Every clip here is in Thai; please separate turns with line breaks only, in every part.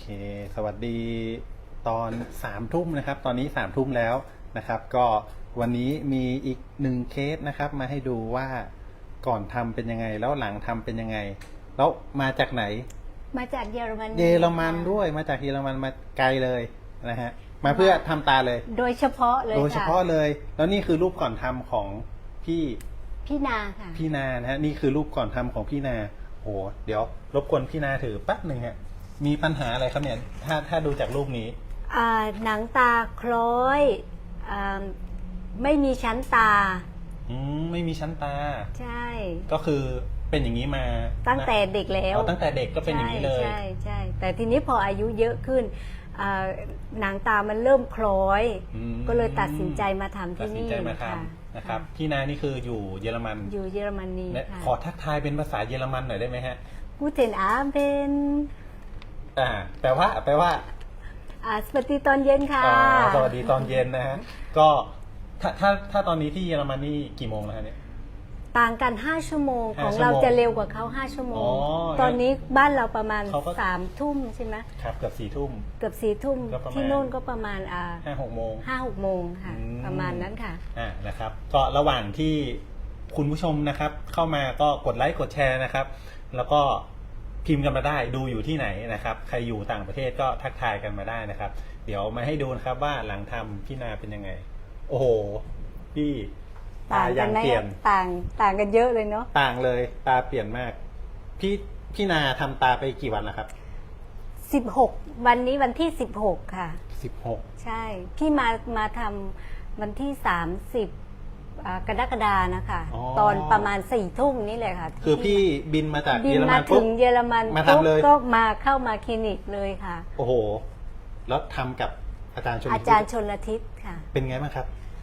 สวัสดีตอน3 ทุ่มนะครับตอนนี้3 ทุ่มแล้วนะครับก็วันนี้มีอีก1 เคสนะครับมาให้ดูว่าก่อนทำเป็นยังไงแล้วหลังทำเป็นยังไงแล้วมาจากไหน
มาจากเยอรมัน
เยอรมันด้วยมาจากเยอรมันมาไกลเลยนะฮะมาเพื่อทำตาเลย
โดยเฉพาะเลย
โดยเฉพาะเลยแล้วนี่คือรูปก่อนทำของพี่
นาค่ะ
พี่นานะฮะนี่คือรูปก่อนทำของพี่นาโอ้เดี๋ยวรบกวนพี่นาถือแป๊บหนึ่งฮะมีปัญหาอะไรครับเนี่ยถ้าดูจากรูปนี้
หนังตาคล้อยไม่มีชั้นตา
ไม่มีชั้นตา
ใช่
ก็คือเป็นอย่างนี้มา
ตั้งแต่เด็กแล้ว
ตั้งแต่เด็กก็เป็นอย่างนี้เลย
ใช่แต่ทีนี้พออายุเยอะขึ้นหนังตามันเริ่มคล้อยก็เลยตัดสินใจมาทำที่นี่
นะครับพี่นานี่คืออยู่เยอรมัน
อยู่เยอรมนี
ขอทักทายเป็นภาษาเยอรมันหน่อยได้ไหมฮะ
Guten Abend
แปลว่า
สวัสดีตอนเย็นค่ะ
สวัสดีตอนเย็นนะฮะก็ถ้าตอนนี้ที่เยอรมันนี่กี่โมงแล้วฮะเนี่ย
ต่างกัน5 ชั่วโมงของเราจะเร็วกว่าเขา5 ชั่วโมงตอนนี้บ้านเราประมาณ3 ทุ่มใช่ไหม
ครับเกือบ4 ทุ่ม
ที่โน่นก็ประมาณ
5-6 โมง
5-6 โมงค่ะประมาณนั้นค่ะ
นะครับก็ระหว่างที่คุณผู้ชมนะครับเข้ามาก็กดไลค์กดแชร์นะครับแล้วก็พิมพ์กันมาได้ดูอยู่ที่ไหนนะครับใครอยู่ต่างประเทศก็ทักทายกันมาได้นะครับเดี๋ยวมาให้ดูนะครับว่าหลังทำพี่นาเป็นยังไงโอ้โหพี่
ตายังเปลี่ยนต่างกันเยอะเลยเนาะ
ต่างเลยตาเปลี่ยนมากพี่นาทำตาไปกี่วันแล้วครับ
16วันนี้วันที่16ค่ะ
16
ใช่พี่มาทำวันที่30กรกฎานะคะตอนประมาณ4 ทุ่มนี่เลยค่ะ
คือพี่บินมาจากเยอรมัน
ถึงเยอรมัน
มาทำเลย
ก็เข้ามาคลินิกเลยค่ะ
โอ้โหแล้วทำกับอาจารย์ช
ลทิศค่ะ
เป็นไงบ้างครับ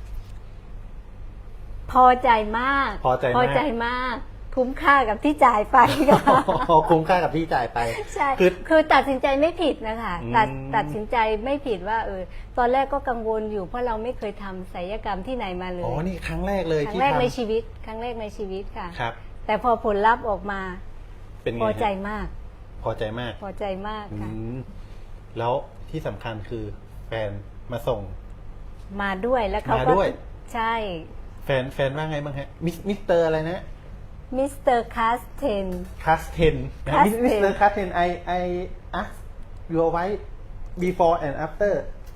พอใจมากคุ้มค่ากับที่จ่ายไปค่ะ
คุ้มค่ากับที่จ่ายไป
ใช่คือตัดสินใจไม่ผิดนะคะตัดสินใจไม่ผิดว่าตอนแรกก็กังวลอยู่เพราะเราไม่เคยทำศัลยกรรมที่ไหนมาเลย
นี่ครั้งแรกเลย
ครั้งแรกในชีวิตค่ะ
ครับ
แต่พอผลลัพธ์ออกมา
เป็นไง
พอใจมากค่ะ
แล้วที่สำคัญคือแฟนมาส่ง
มาด้วยแล้วเขาก็ใช่
แฟนว่าไงบ้างฮะมิสเตอร์อะไรนะ
มิสเตอร์คัสเทน
มิสเตอร์คัสเทนI ask your wife before and after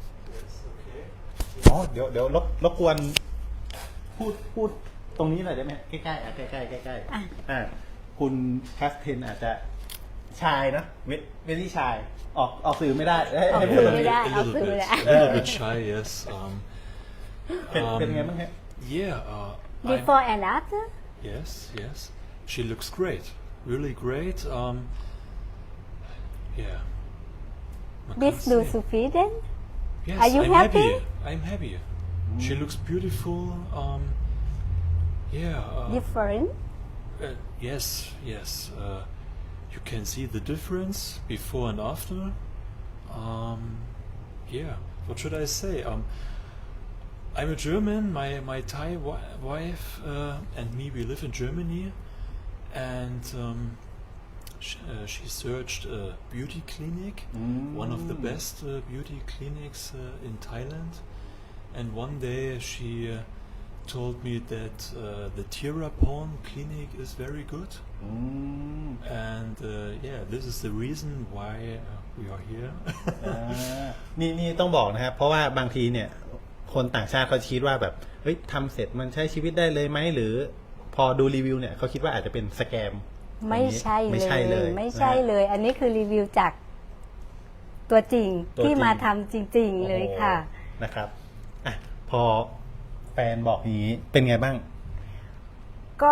เดี๋ยวรบกวนพูดตรงนี้หน่อยได้ไหมใกล้ๆใกล้คุณคัสเทนอาจจะชายนะเวลี่ชายออกสื่อไม่ได้
ให้พูดตรงนี้
a little bit shy yes
เป็นไงบ้างฮะ
before and after
Yes, she looks great, really great. Yeah.
This do Sweden?
Yes,
Are you happy?
I'm happy. She looks beautiful.
Different?
Yes. You can see the difference before and after. What should I say? I'm a German. My Thai wife and me, we live in Germany, and she searched a beauty clinic, one of the best beauty clinics in Thailand. And one day she told me that the Tirapon clinic is very good. And this is the reason why we are here.
นี่ต้องบอกนะครับเพราะว่าบางทีเนี่ยคนต่างชาติเขาคิดว่าแบบเฮ้ยทำเสร็จมันใช้ชีวิตได้เลยไหมหรือพอดูรีวิวเนี่ยเขาคิดว่าอาจจะเป็นสแกม
ไม่ใช่เลยอันนี้คือรีวิวจากตัวจริงที่มาทำจริงๆเลยค่ะ
นะครับพอแฟนบอกอย่างนี้เป็นไงบ้าง
ก็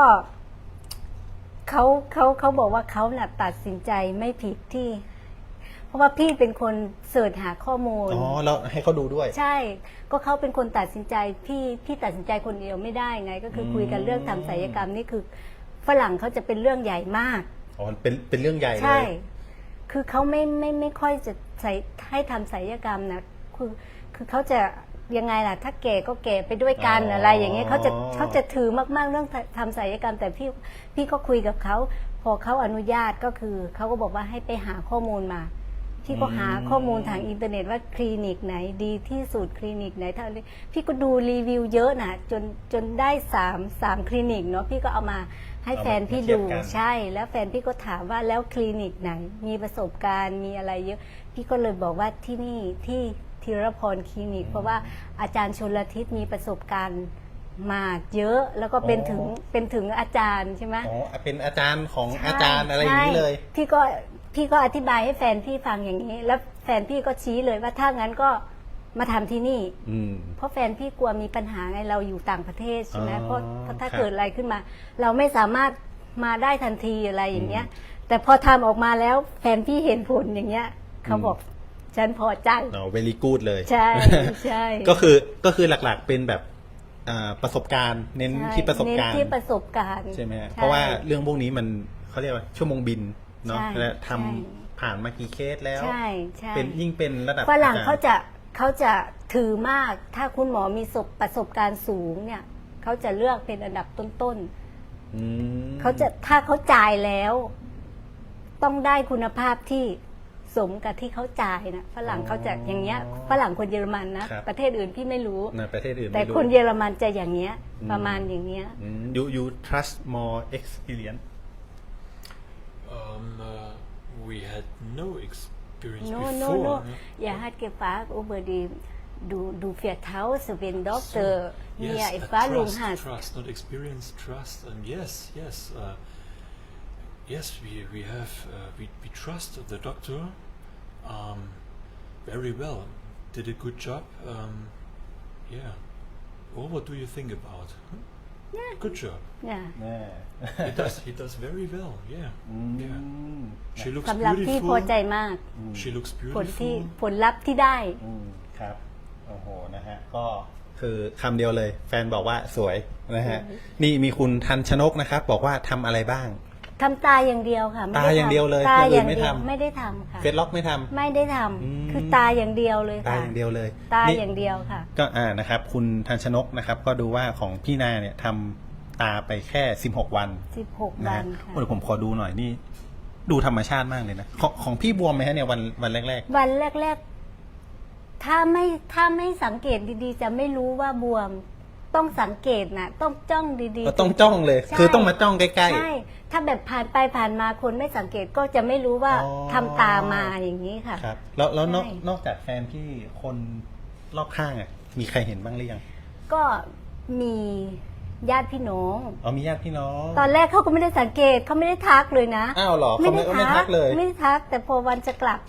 เขาบอกว่าเขาตัดสินใจไม่ผิดที่เพราะว่าพี่เป็นคนเสิร์ชหาข้อมูล
แล้วให้เขาดูด้วย
ใช่ก็เขาเป็นคนตัดสินใจพี่ตัดสินใจคนเดียวไม่ได้ไงก็คือคุยกันเรื่องทำศัลยกรรมนี่คือฝรั่งเขาจะเป็นเรื่องใหญ่มาก
เป็นเรื่องใหญ่เลย
ใช่คือเขาไม่ค่อยจะให้ทำศัลยกรรมนะคือเขาจะยังไงล่ะถ้าแก่ก็แก่ไปด้วยกันอะไรอย่างเงี้ยเขาจะถือมากๆเรื่องทำศัลยกรรมแต่พี่ก็คุยกับเขาพอเขาอนุญาตก็คือเขาก็บอกว่าให้ไปหาข้อมูลมาพี่ก็หาข้อมูลทางอินเทอร์เน็ตว่าคลินิกไหนดีที่สุดคลินิกไหนเท่านี้พี่ก็ดูรีวิวเยอะนะจนได้สามคลินิกเนาะพี่ก็เอามาให้แฟนพี่ดูใช่แล้วแฟนพี่ก็ถามว่าแล้วคลินิกไหนมีประสบการณ์มีอะไรเยอะพี่ก็เลยบอกว่าที่นี่ที่ธีรพรคลินิกเพราะว่าอาจารย์ชลทิศมีประสบการณ์มาเยอะแล้วก็เป็นถึงอาจารย์ใช่ไหม
อ๋อเป็นอาจารย์ของอาจารย์อะไรอย่างนี้เลย
ใช่พี่ก็อธิบายให้แฟนพี่ฟังอย่างนี้ แล้วแฟนพี่ก็ชี้เลยว่าถ้างั้นก็มาทำที่นี่ เพราะแฟนพี่กลัวมีปัญหาไงเราอยู่ต่างประเทศใช่ไหม
อ๋อ
เพราะถ้า
ครับ
เกิดอะไรขึ้นมา เราไม่สามารถมาได้ทันทีอะไรอย่างเงี้ย แต่พอทำออกมาแล้วแฟนพี่เห็นผลอย่างเงี้ยเขาบอกฉันพอใจ
very good เลย
ใช่ใช่
ก็คือหลักๆเป็นแบบประสบการณ์เน้นที่ประสบการณ์
เน้นที่ประสบการณ์
ใช่ไหมฮะเพราะว่าเรื่องพวกนี้มันเขาเรียกว่าชั่วโมงบินเนาะ
ใช่
และทำ
ใช่
ผ่านมากี่เคสแล้ว
ใช่ใช่
เป็นยิ่งเป็นระดับ
ฝรั่ง
อจรย์
เขาจะถือมาก ถ้าคุณหมอมีประสบการณ์สูงเนี่ยเขาจะเลือกเป็นอันดับต้น
อืม
ๆเขาจะถ้าเขาจ่ายแล้ว ต้องได้คุณภาพที่สมกับที่เขาจ่ายนะฝรั่งเขาจะอย่างเงี้ยฝรั่งคนเยอรมันนะประเทศอื่นพี่ไม่รู้
ในประเทศอื่น
แต่
ไม่รู้
คนเยอรมันจะอย่างเงี้ย ประมาณอย่างเงี้ย
you trust more experience
We had no experience
No,
before.
no, no.
yeah.
Jeg har ikke far over det. Du vertraut wenn dokter
Yes,
mir Erfahrung
trust,
hast.
trust, not experience, trust. Yes. Yes, we have we trust the doctor very well. Did a good job. Yeah. Well, what do you think about? Huh?
Yeah.
Good job.
เนี่ย
แน่
He does very well. Yeah. Yeah. She looks
สำหรับพี่พอใจ
beautiful.
มาก
She looks
ผลลัพธ์ที่ได้
ครับโอ้โหนะฮะก็คือคำเดียวเลย แฟนบอกว่าสวยนะฮะนี่มีคุณทันชนกนะครับ บอกว่าทำอะไรบ้าง
ทำตาอย่างเดียวค่ะไม่
ตา
ได้
อย่างเดียวเลย
ตา
อย่างอื่
อน ย่าง
ไม่
เดียว
ทำ
ไม่ได้ทำค่ะ
เฟซล็อกไม่ทำ
ไม่ได้ทำคือตาอย่างเดียวเลย
ตา
ค่ะ
อย่างเดียวเลย
ตา
นี่
อย่างเดียวค่ะ
ก็นะครับ คุณทันชนกนะครับ ก็ดูว่าของพี่นาเนี่ยทำตาไปแค่16 วัน
16
นะ
วั
ฮะ
นค่ะ
โอ้เดี๋ยวผมขอดูหน่อยนี่ ดูธรรมชาติมากเลยนะของพี่บวมไหมฮะเนี่ยวันแรก
วันแรกๆถ้าไม่สังเกตดีๆ จะไม่รู้ว่าบวมต้องสังเกตนะต้องจ้องดี
ๆก็ต้องจ้องเลย
ใช่
คือต้องมาจ้องใกล้
ใช่ถ้าแบบผ่านไปผ่านมาคนไม่สังเกตก็จะไม่รู้ว่า
อ๋อ
ทำตามาอย่างนี้ค่ะ
ๆครับแล้วนอก
ใช่
นอกจากแฟนพี่คนรอบข้างอ่ะมีใครเห็นบ้างหรือยัง
ก็มีญาติพี่น้อง
อ๋อมีญาติพี่น้อง
ตอนแรกเขาก็ไม่ได้สังเกตเขาไม่ได้ทักเลยนะ
อ้าวเหรอเขาไม่ทักเลย
ไม่ได้ทัก แต่พอวันจะกลับ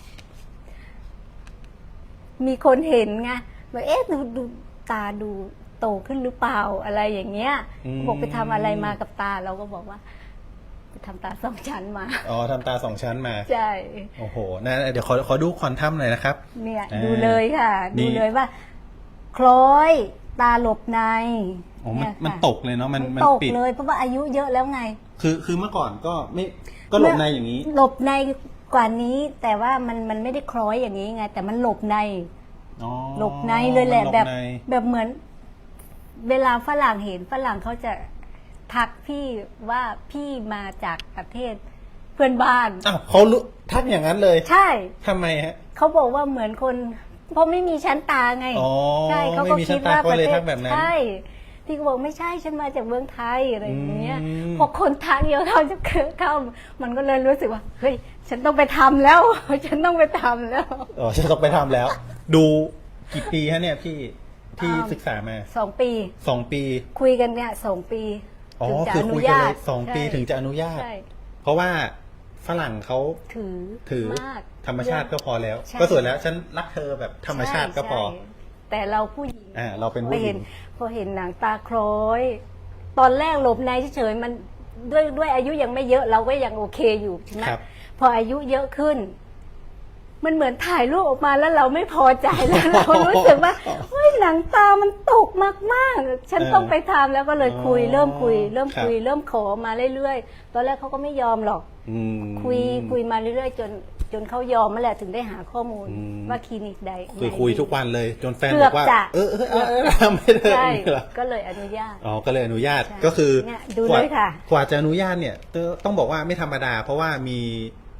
มีคนเห็นไงบอกเอ๊ะดูตาดูโตขึ้นหรือเปล่าอะไรอย่างเงี้ยบอกไปทำอะไรมากับตาเราก็บอกว่าไปทำตาสองชั้นมา
อ๋อทำตาสองชั้นมา
ใช่
โอ้โหนะเดี๋ยวขอดูควอนทัมหน่อยนะครับ
เนี่ย
อ่า
ดูเลยค่ะ
นี่
ดูเลยว่า คล้อยตาหลบใน
โอ้
เนี่ย
มัน
ค่ะ
ตกเลยเนาะมัน
ตก
ปิด
เลยเพราะว่าอายุเยอะแล้วไง
คือเมื่อก่อนก็ไม่ก็หลบในอย่างนี้
หลบในกว่านี้ แต่ว่ามันไม่ได้คล้อยอย่างนี้ไง แต่มันหลบใน
อ๋อ
หลบในเลยแหละ
มัน
แบบ
ใน
แบบเหมือน เวลาฝรั่งเห็นฝรั่งเขาจะทักพี่ว่าพี่มาจากประเทศเพื่อนบ้าน
อ้าวเขารู้ทักอย่างนั้นเลย
ใช่
ทำไมฮะ
เขาบอกว่าเหมือนคน เพราะไม่มีชั้นตาไง
อ๋อ
ใช่เขา
ไม่
ก็
มีชั้
คิ
น
ด
ตา
ว่า
ก็
ประ
เลย
เท
ทั
ศ
กแบบนั้น
ใช่พี่ก็บอกไม่ใช่ฉันมาจากเมืองไทยอะไรอย่างเงี้ย
อืม
พอคนทักเยอะเข้ามันก็เลยรู้สึกว่าเฮ้ยฉันต้องไปทำแล้ว ฉันต้องไปทำแล้ว
อ๋อจะต้องไปทำแล้ว ดูกี่ปีฮะเนี่ยพี่ที่
อ่า
ศึกษามา
2 ปี
2 ปี
คุยกันเนี่ย2 ปี
อ๋อ
ถึงจะ
คือ
อนุ
คุยกัน
ญา
เล
ต
ย2 ปี
ใช่
ถึงจะอนุญาต
ใช่
เพราะว่าฝรั่งเขา
ถือ
อ
มาก
ธรรมชาติก็พอแล้ว
ใช่
ก็สวยแล้วฉันรักเธอแบบธรรมชาติก็พอ
ใช่แต่เราผู้หญิง
เราเป็นผู้หญิง
พอเห็นหนังตาคล้อย ตอนแรกหลบในเฉยๆมันด้วยอายุยังไม่เยอะเราก็ยังโอเคอยู่ใช่ไหม
ครับ
พออายุเยอะขึ้น มันเหมือนถ่ายรูปออกมาแล้วเราไม่พอใจแล้ว เรารู้สึกว่าเฮ้ยหนังตามันตกมากๆ ฉันต้องไปทำแล้วก็เลยคุย
อ๋อ
เริ่มคุย เริ่ม
ครับ
คุย เริ่มขอมาเรื่อยๆตอนแรกเขาก็ไม่ยอมหรอก
อืม
คุยมาเรื่อยๆจนเขายอมมาแหละถึงได้หาข้อมูล
อืม
ว่าคลินิกใด
คุยทุกวันเลย จนแฟน
เกื
บ
อ
อบ กว่า
จะ
ทำไม่ได้
ใช่
เหรอ
ก็เลยอนุญาต
อ๋อก็เลยอนุญาต
ใช่
ก็คือ
เนี่ยดูเลยค่ะ
กว่าจะอนุญาตเนี่ยต้องบอกว่าไม่ธรรมดา เพราะว่ามี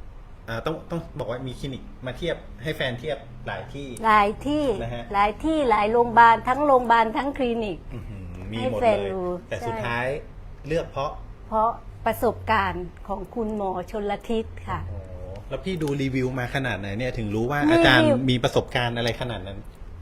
ต้องบอกว่ามีคลินิกมาเทียบให้แฟนเทียบหลายที่
หลายที่
นะฮะ
หลายที่หลายโรงพยาบาลทั้งโรงพยาบาลทั้งคลินิก
อื้อหือมี
ให้
หมด
แฟ
เล
น
ย
ดู
แต่
ใช่
สุดท้ายเลือกเพราะ
เพราะประสบการณ์ของคุณหมอชนละทิศค่ะ
โอ้โหแล้วพี่ดูรีวิวมาขนาดไหนเนี่ยถึงรู้ว่า
รีวิว
อาจารย์มีประสบการณ์อะไรขนาดนั้น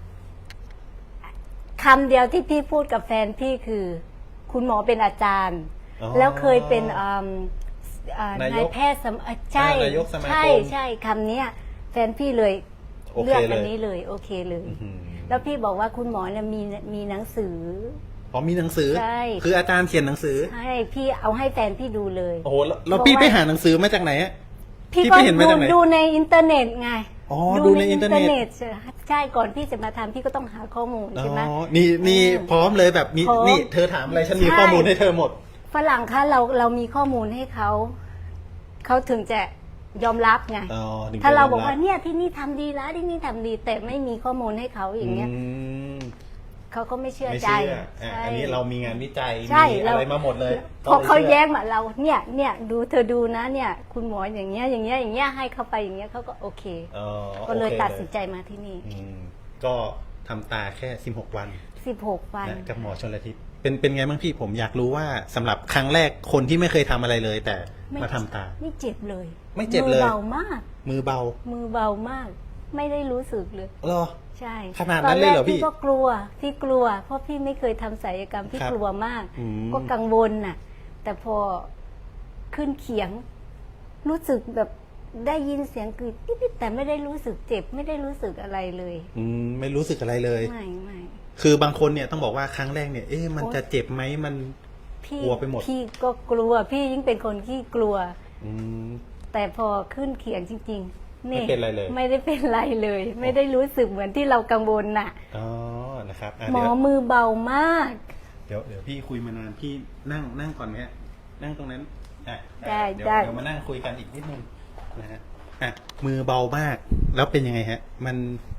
คำเดียวที่พี่พูดกับแฟนพี่คือ คุณหมอเป็นอาจารย์
อ๋อ
แล้วเคยเป็น
นาย
นายแพทย์ใช่
นายกสมาคม
ใช่คำเนี้ยแฟนพี่เลย
โอเค
เลือก
เลย
อันนี้เลยโอเคเลย
อื้อหือ
แล้วพี่บอกว่าคุณหมอเนี่ยมีหนังสือ
อ๋อมีหนังสือ
ใช่
คืออาจารย์เขียนหนังสือ
ให้พี่เอาให้แฟนพี่ดูเลย
โอ้โหแล้ว
บอก
พี่
ว่า
ไปหาหนังสือมาจากไหนอะ
พี่
พี่
ก็
ไปเห็นมาจากไหน
ดูในอินเทอร์เน็ตไง
อ๋อดูในอินเทอร์เน็ต
ใช่ก่อนพี่จะมาทำพี่ก็ต้องหาข้อมูล
อ๋
ใช่ไหม
อนี่พร้อมเลยแบบมี
พร้อม
นี่เธอถามอะไรฉันมี
ใช่
ข้อมูลให้เธอหมด
ฝรั่งคะเรามีข้อมูลให้เขาถึงจะยอมรับไง
อ๋อถึงจะ
ถ้าเรา
ยอมรับ
บอกว่าเนี่ยที่นี่ทำดีแล้วที่นี่ทำดี แต่ไม่มีข้อมูลให้เขาอย่างเงี้ย
ม
เขาก็ไม่เชื่อ
ไม่
ใจ
เชื่ออันนี้เรามีงานวิจัย
ใช่
มีอะไรมาหมดเลย
พอเขา
ต้องชื่
แย้งมาเราเนี่ยดูเธอดูนะเนี่ย คุณหมออย่างเงี้ยให้เขาไปอย่างเงี้ยเขาก็โอเค
อ๋อ
ก็เลย
โอค
ตัดสินใจมาที่นี่
อืมก็ทำตาแค่16 วัน
16 วัน
นะกับหมอชลทิศเป็นไงบ้างพี่ผมอยากรู้ว่าสำหรับครั้งแรกคนที่ไม่เคยทำอะไรเลย แต่มาทำตา
ไม่เจ็บเลย
ไม่เจ็บเลย
มือเบามาก
มือเบา
มือเบามาก ไม่ได้รู้สึกเลย
เหรอ
ใช่
ขนาดนั้นเลยเหรอ
ตแก
พี่
ก็กลัวเพราะพี่ไม่เคยทำศัลยกรรมพี่
ครับ
กลัวมาก
อืม
ก็กังวลน่ะ แต่พอขึ้นเขียง รู้สึกแบบได้ยินเสียงกรีดนิดๆแต่ไม่ได้รู้สึกเจ็บ ไม่ได้รู้สึกอะไรเลย
ไม่รู้สึกอะไรเลย
ไม่
คือบางคนเนี่ยต้องบอกว่าครั้งแรกเนี่ยมันจะเจ็บไหมมัน
พี่
กลัวไปหมด
พี่ก็กลัว พี่ยิ่งเป็นคนที่กลัว
อืม
แต่พอขึ้นเขียงจริงๆ
ไม่เป็นไรเลย
ไม่ได้เป็นไรเลย ไม่ได้รู้สึกเหมือนที่เรากังวลน่ะ
อ๋อนะครับ
หมอ
เดี๋ยว
มือเบามาก
เดี๋ยวพี่คุยมานานพี่นั่งก่อนไหมฮะนั่งตรงนั้นอ่ะ
ได้
เดี๋ยว
ได้
เดี๋ยวมานั่งคุยกันอีกนิดนึงนะฮะอ่ะมือเบามาก แล้วเป็นยังไงฮะ มัน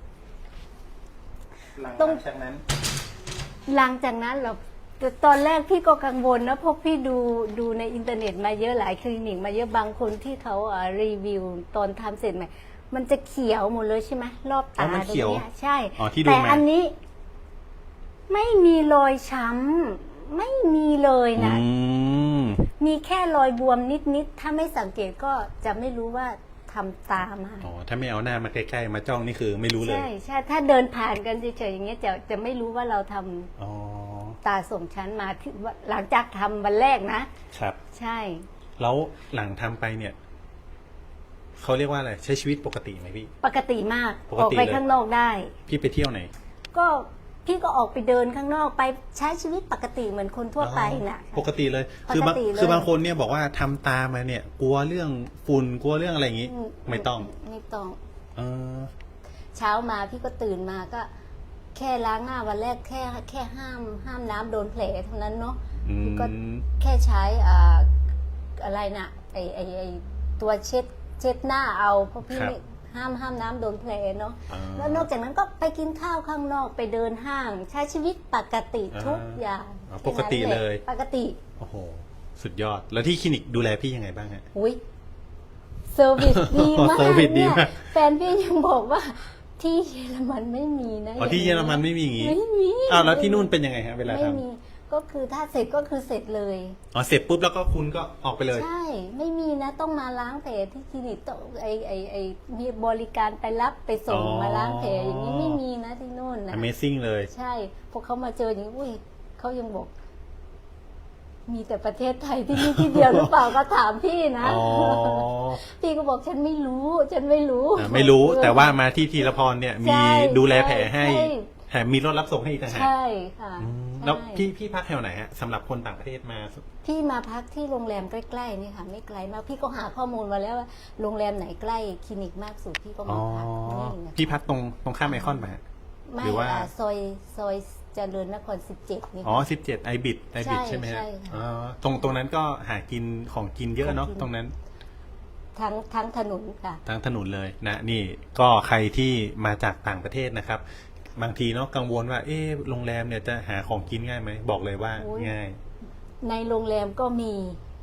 หลังจากนั้น
หลังจากนั้นเราแต่ตอนแรกพี่ก็กังวลนะเพราะพี่ดูในอินเทอร์เน็ตมาเยอะหลายคลินิกมาเยอะบางคนที่เขารีวิวตอนทำเสร็จใหม่มันจะเขียวหมดเลยใช่ไหมรอบ
อ๋
ตา
อมัน
ตร
เขียว
งเนี้ยใช่
อ๋อที่ดู
แต่
มา
อันนี้ ไม่มีรอยช้ำไม่มีเลยนะ มีแค่รอยบวมนิดๆถ้าไม่สังเกตก็จะไม่รู้ว่าทำตามา
อ๋อถ้าไม่เอาหน้ามาใกล้ๆมาจ้องนี่คือไม่รู้เลย
ใช่ถ้าเดินผ่านกันเฉยๆอย่างเงี้ยจะไม่รู้ว่าเราทำ
อ๋อ
ตาสมชั้นมาที่หลังจากทำวันแรกนะครับ ใช่
แล้วหลังทำไปเนี่ยเขาเรียกว่าอะไรใช้ชีวิตปกติไหมพี่
ปกติมาก
ปกติ
ออกไป
เลย
ข้างนอกได้
พี่ไปเที่ยวไหน
ก็พี่ก็ออกไปเดินข้างนอกไปใช้ชีวิตปกติเหมือนคนทั่วไปน่ะ
ปกติเลย
ปกติเลย
คือบางคนเนี่ยบอกว่าทำตามาเนี่ย กลัวเรื่องฝุ่นกลัวเรื่องอะไรอย่างงี้ ไม่ต้อง
ไม่ต้อง
เออ
เช้ามาพี่ก็ตื่นมาก็ แค่ล้างหน้าวันแรกแค่ห้ามน้ำโดนแผลเท่านั้นเนาะ พี่ก็แค่ใช้อะไรนะไอตัวเช็ดหน้าเอาเพราะพี่ไม่ห้ามน้ำโดนแผลเนาะแล้วนอกจากนั้นก็ไปกินข้าวข้างนอกไปเดินห้าง ใช้ชีวิตปกติทุกอย่าง
ปกติเลย
ปกติ
โอ้โหสุดยอด แล้วที่คลินิกดูแลพี่ยังไงบ้างฮะ
อุ้ยเซอร์วิสดีมาก
เซอร์วิสดี
เนี่ย
มาก
แฟนพี่ยังบอกว่าที่เยอรมันไม่มีนะ
อ๋อที่เยอรมันไม่มีอย่างงี้
ไม่มี
อ้าวแล้วที่นู่นเป็นยังไงฮะเวลา
ไม่
ท
มีก็คือถ้าเสร็จก็คือเสร็จเลย
ำอ๋อเสร็จปุ๊บแล้วก็คุณก็ออกไปเลย
ใช่ ไม่มีนะต้องมาล้างแผลที่คลินิกต้องไอมีบริการไปรับไปส่งมาล้างแผลอย่างนี้ไม่มีนะที่นู่นนะ
Amazing เลย
ใช่พอเขามาเจออย่างนี้อุ้ยเขายังบอก มีแต่ประเทศไทยที่นี่ที่เดียวหรือเปล่าก็ถามพี่นะ
อ๋อ
พี่ก็บอกฉันไม่รู้
ไม่รู้แต่ว่ามาที่ทีละพรเนี่ย
ใช่
มีดูแลแผลให้
ใช่
แถมมีรถรับส่งให้อีกต่างหาก
ใช่ค่ะ
อืม
ใช่
แล้วพี่พักแถวไหนฮะสำหรับคนต่างประเทศมา
พี่มาพักที่โรงแรมใกล้ๆนี่ค่ะ ไม่ไกลมากพี่ก็หาข้อมูลมาแล้วว่าโรงแรมไหนใกล้คลินิกมากสุดพี่ก็
อ๋
มา
อ
พักนี่นะ
พี่พักตรงข้ามไอคอนมาฮะ
ไม่
หรือว่า
ซอยเจริญนคร 17 นี่
อ๋อ
ค่ะ
17ไอบิดใช่ไหมฮะ
ใช่ค่ะ
อ๋อตรงนั้นก็หากินของกินเยอะเนาะ
ของกิน
ตรงนั้น
ทั้งถนนค่ะ
ทั้งถนนเลยนะนี่ก็ใครที่มาจากต่างประเทศนะครับ บางทีเนาะกังวลว่าโรงแรมเนี่ยจะหาของกินง่ายไหมบอกเลยว่า
โอ้ย
ง่าย
ในโรงแรมก็มี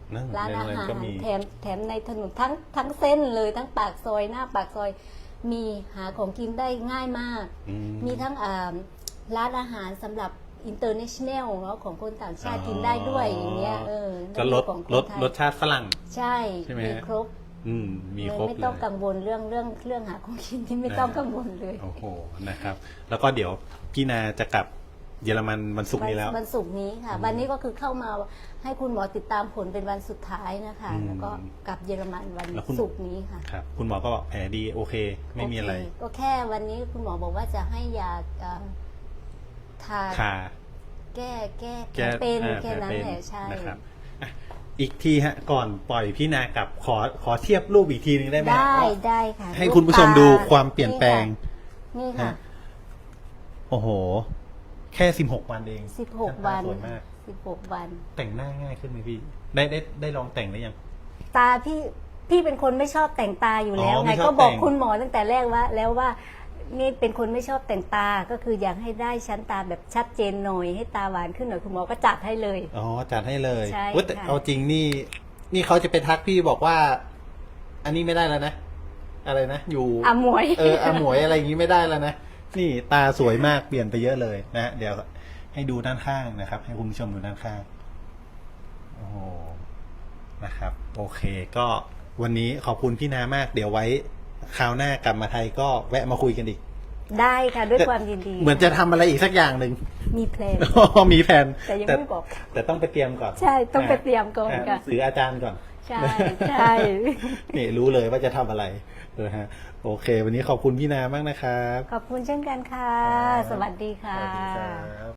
นั่น
ร้านอา
ในโรงแร
หาม ร
ก็มี
แถมในถนนทั้งเส้นเลยทั้งปากซอยหน้าปากซอยมีหาของกินได้ง่ายมาก
อื
มีทั้งร้านอาหารสำหรับ international เนาะของคนต่างชาติกินได้ด้วยอย่างเงี้ย
ก็ลด
ของคน
ลด
ไทย
รสชาติฝรั่ง
ใช่
ใช่ไหม
มี
ฮะ
ครบ
มี
เลย
ครบ
ไม่
เล
ต้อง
ย
กังวลเรื่องหาของกินที่ไม่ต้องกังวลเลย
โอ้โหนะครับ แล้วก็เดี๋ยวพี่นาจะกลับเยอรมันวันศุกร์นี้แล้ว
วันศุกร์นี้ค่ะ วันนี้ก็คือเข้ามาให้คุณหมอติดตามผลเป็นวันสุดท้ายนะคะ แล้วก็กลับเยอรมันวัน
แล้วคุณ
ศุกร์นี้ค่ะ
ครับ คุณหมอก็บอกแผลดีโอเค ไม่มีอะไร
โเคก็แค่วันนี้คุณหมอบอกว่าจะให้ยาทา
คา
แก้แผลเป็นแค่นั้น
ผ
แหละใช่
นะครับอ่ะอีกทีฮะ ก่อนปล่อยพี่นากลับขอเทียบรูปอีกทีนึงได้ไหมฮะ
ได้ค่ะ
ให้คุณผู้ชมดูความเปลี่ยนแปลง
นี่ค่ะ
ฮะ โอ้โห แค่16 วันเอง
16 วัน
สวยมาก
16 วัน
แต่งหน้าง่ายขึ้นไหมพี่ ได้ลองแต่งหรือยัง
ตาพี่เป็นคนไม่ชอบแต่งตาอยู่แล้ว
อ๋อ
ไง
ไม่ชอบ
ก็บอก
แต่ง
คุณหมอตั้งแต่แรกว่านี่เป็นคนไม่ชอบแต่งตาก็คืออยากให้ได้ชั้นตาแบบชัดเจนหน่อยให้ตาหวานขึ้นหน่อยคุณหมอก็จัดให้เลย
อ๋อจัดให้เลย
ใช่
เว้ยแต่
ค่ะ
เอาจริงนี่เขาจะไปทักพี่บอกว่า อันนี้ไม่ได้แล้วนะ อะไรนะ อยู่
อาหมวย
อาหมวยอะไรอย่างนี้ไม่ได้แล้วนะ นี่ตาสวยมากเปลี่ยนไปเยอะเลยนะ เดี๋ยวให้ดูด้านข้างนะครับ ให้คุณผู้ชมดูด้านข้าง โอ้โหนะครับ โอเค ก็วันนี้ขอบคุณพี่นามาก เดี๋ยวไว้คราวหน้ากลับมาไทยก็แวะมาคุยกันอีก
ได้ค่ะด้วยความยินดี
เหมือนจะทำอะไรอีกสักอย่างหนึ่ง
มีเพลง
มีแผน
แต่ยังไม่บอก
แต่ต้องไปเตรียมก่อน
ใช่ต้องไปเตรียมก่อนค่ะ
สื่ออาจารย์ก่อน
ใช่ใช่
นี่รู้เลยว่าจะทำอะไรนะฮะโอเค วันนี้ขอบคุณพี่นามากนะครับ
ขอบคุณเช่นกันค่ะ
ครับ
สวัสดีค่ะ
สวัสดีครับ